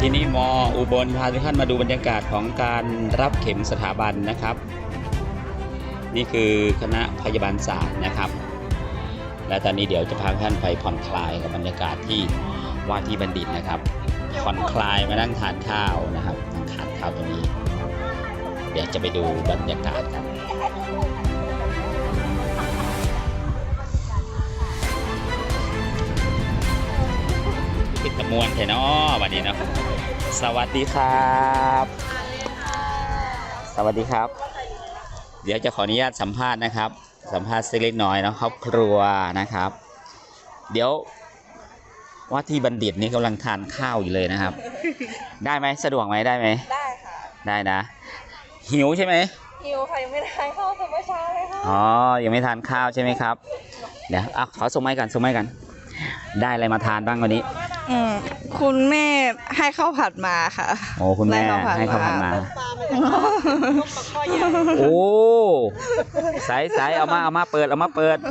ที่นี่มอุบลพาทุกท่านมาดูบรรยากาศของการรับเข็มสถาบันนะครับนี่คือคณะพยาบาลศาสตร์นะครับและตอนนี้เดี๋ยวจะพาท่านไปผ่อนคลายกับบรรยากาศที่ว่าที่บัณฑิตนะครับผ่อนคลายมานั่งทานข้าวนะครับนั่งทานข้าวตรงนี้เดี๋ยวจะไปดูบรรยากาศกันปิดตะมวนแค่นอวันนี้เนาะสวัสดีครับสวัสดีครับเดี๋ยวจะขออนุญาตสัมภาษณ์นะครับสัมภาษณ์เล็กน้อยเนาะครอบครัวนะครับเดี๋ยวว่าที่บัณฑิตนี่กำลังทานข้าวอยู่เลยนะครับได้ไหมสะดวกไหมได้ไหมได้ค่ะได้นะหิวใช่ไหมหิวค่ะยังไม่ทานข้าวแต่เมื่อเช้าเลยค่ะอ๋อยังไม่ทานข้าวใช่ไหมครับเดี๋ยวขอส่งไม้กันได้อะไรมาทานบ้างวันนี้คุณแม่ให้ข้าวผัดมาค่ะโอ้คุณแม่ให้ข้าวผัดมาโอ้ใสเอามาเปิดเบิ้ง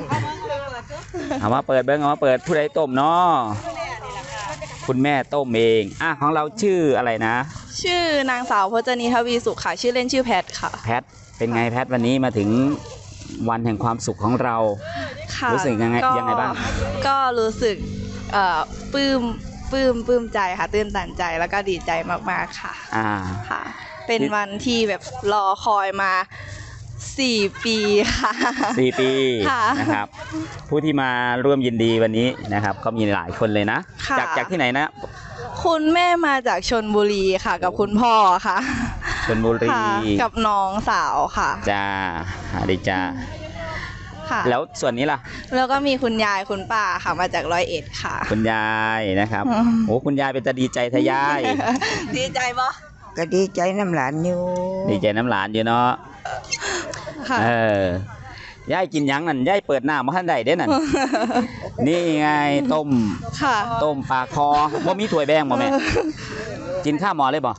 ผู้ใดต้มเนาะคุณแม่ต้มเองของเราชื่ออะไรนะชื่อนางสาวพจนีทวีสุขค่ะชื่อเล่นชื่อแพทค่ะแพทเป็นไงแพทวันนี้มาถึงวันแห่งความสุขของเรารู้สึกยังไงบ้างก็รู้สึกปลื้มใจค่ะตื่นตันใจแล้วก็ดีใจมากๆค่ะค่ะเป็นวันที่แบบรอคอยมา4 ปีค่ะ 4 ปีนะครับผู้ที่มาร่วมยินดีวันนี้นะครับก็มีหลายคนเลยนะจากที่ไหนนะคุณแม่มาจากชลบุรีค่ะกับคุณพ่อค่ะชลบุรีกับน้องสาวค่ะจ้าดีจ้าแล้วส่วนนี้ล่ะแล้วก็มีคุณยายคุณป้าค่ะมาจาก101ค่ะคุณยายนะครับโอ้คุณยายเป็นจะดีใจทะยายดีใจปะก็ดีใจน้ำหลานอยู่ดีใจน้ำหลานอยู่เนาะยายกินยังนั่นยายเปิดหน้ามาท่านใดเด้นั่นนี่ไงต้มปลาคอว่ามีถ้วยแบงบ่แม่กินข้าวหมอเลยบ่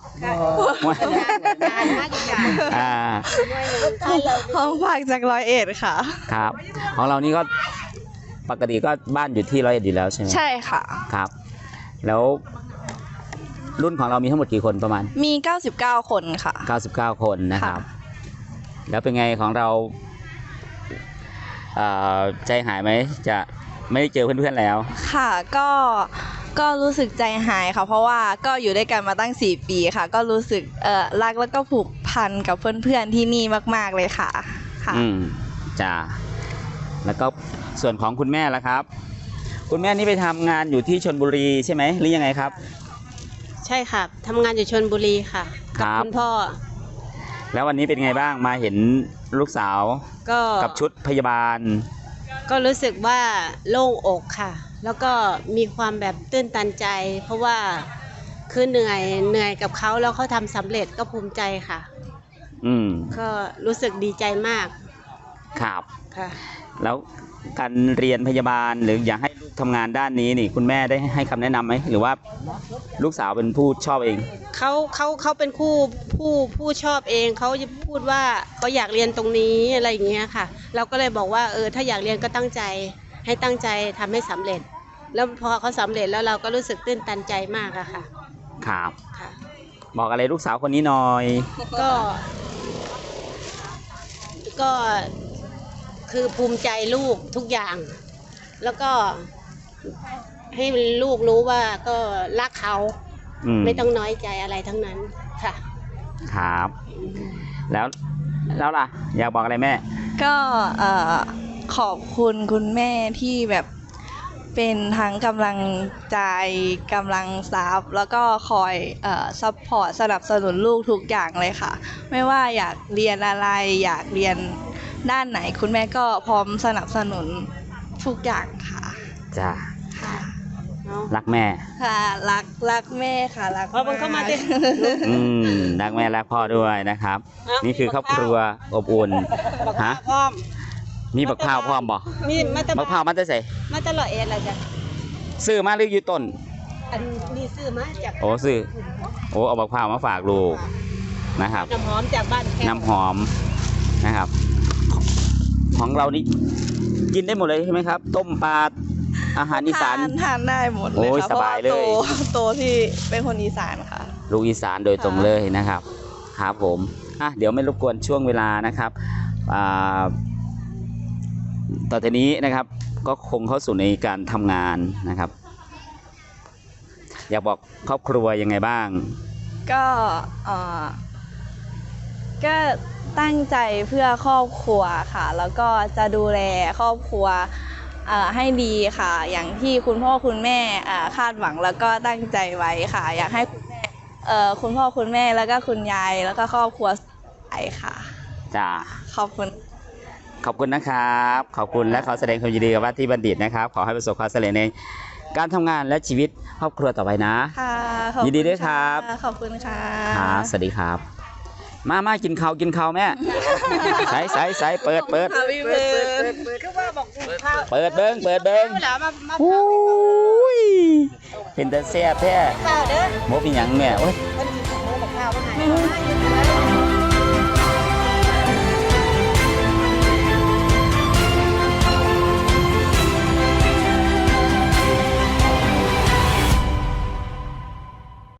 ห้องพักจาก101ค่ะครับของเรานี่ก็ปกติก็บ้านอยู่ที่101อยู่แล้วใช่ไหมใช่ค่ะครับแล้วรุ่นของเรามีทั้งหมดกี่คนประมาณมี99 คนค่ะ 99 คนนะครับแล้วเป็นไงของเราใจหายไหมจะไม่ได้เจอเพื่อนๆแล้วค่ะก็รู้สึกใจหายค่ะเพราะว่าก็อยู่ด้วยกันมาตั้ง4 ปีค่ะก็รู้สึกรักแล้วก็ผูกพันกับเพื่อนๆที่นี่มากๆเลยค่ะจ้าแล้วก็ส่วนของคุณแม่ล่ะครับคุณแม่นี่ไปทำงานอยู่ที่ชลบุรีใช่ไหมหรือยังไงครับใช่ค่ะทำงานอยู่ชลบุรีค่ะกับคุณพ่อแล้ววันนี้เป็นไงบ้างมาเห็นลูกสาวกับชุดพยาบาลก็รู้สึกว่าโล่งอกค่ะแล้วก็มีความแบบตื้นตันใจเพราะว่าคือเหนื่อยกับเขาแล้วเขาทำสำเร็จก็ภูมิใจค่ะก็รู้สึกดีใจมากครับค่ะแล้วการเรียนพยาบาลหรืออยากให้ลูกทำงานด้านนี้นี่คุณแม่ได้ให้คำแนะนำไหมหรือว่าลูกสาวเป็นผู้ชอบเองเขาเป็นผู้ชอบเองเขาจะพูดว่าเขาอยากเรียนตรงนี้อะไรอย่างเงี้ยค่ะเราก็เลยบอกว่าถ้าอยากเรียนก็ตั้งใจทำให้สำเร็จแล้วพอเขาสำเร็จแล้วเราก็รู้สึกตื้นตันใจมากอะค่ะครับบอกอะไรลูกสาวคนนี้หน่อยก็คือภูมิใจลูกทุกอย่างแล้วก็ให้ลูกรู้ว่าก็รักเขาไม่ต้องน้อยใจอะไรทั้งนั้นค่ะครับแล้วล่ะอยากบอกอะไรแม่ก็ขอบคุณคุณแม่ที่แบบเป็นทั้งกำลังใจกำลังทรัพย์แล้วก็คอยซัพพอร์ตสนับสนุนลูกทุกอย่างเลยค่ะไม่ว่าอยากเรียนอะไรอยากเรียนด้านไหนคุณแม่ก็พร้อมสนับสนุนทุกอย่างค่ะจ้าค่ะรักแม่ค่ะรักแม่ค่ะรักพ่อเข้ามาดิรักแม่รักพ่อด้วยนะครับนี่คือครอบครัวอบอุ่นฮะมีบักพร้าวพร้อมบ่มีบักพร้าวมันจะใส่มาตลอดอะไรจ้ะซื้อมาหรืออยู่ต้นอันนี้ซื้อมาจากซื้อเอาบักพร้าวมาฝากลูกนะครับน้ำหอมจากบ้านน้ำหอมนะครับของเรานี่กินได้หมดเลยใช่ไหมครับต้มปลาอาหารอีสานทานได้หมดเลยค่ะสบายเลยโตที่เป็นคนอีสานค่ะลูกอีสานโดยตรงเลยนะครับครับผมเดี๋ยวไม่รบกวนช่วงเวลานะครับต่อจากนี้นะครับก็คงเข้าสู่ในการทำงานนะครับ อยากบอกครอบครัวยังไงบ้างก็ก็ตั้งใจเพื่อครอบครัวค่ะ แล้วก็จะดูแลครอบครัวให้ดีค่ะ อย่างที่คุณพ่อคุณแม่คาดหวังแล้วก็ตั้งใจไว้ค่ะ อยากให้คุณแม่คุณพ่อคุณแม่แล้วก็คุณยายแล้วก็ครอบครัวไปค่ะจ้าขอบคุณขอบคุณนะครับ ขอบคุณและขอแสดงความยินดีกับว่าที่บัณฑิตนะครับ ขอให้ประสบความสำเร็จในการทำงานและชีวิตครอบครัวต่อไปนะค่ะขอบคุณยินดีด้วยครับะขอบคุณค่ะครับสวัสดีครับ มากินข้าวแม่ ใส่เปิดพี่เบิร์ดคือว่าบอกข้าวเปิดเบิ้งแล้วมาอุ้ยเป็นแต่แซ่บแท้ข้าวเด้อโมเป็นหยังแม่โอ้ยมันหมูบอกข้าวว่าไง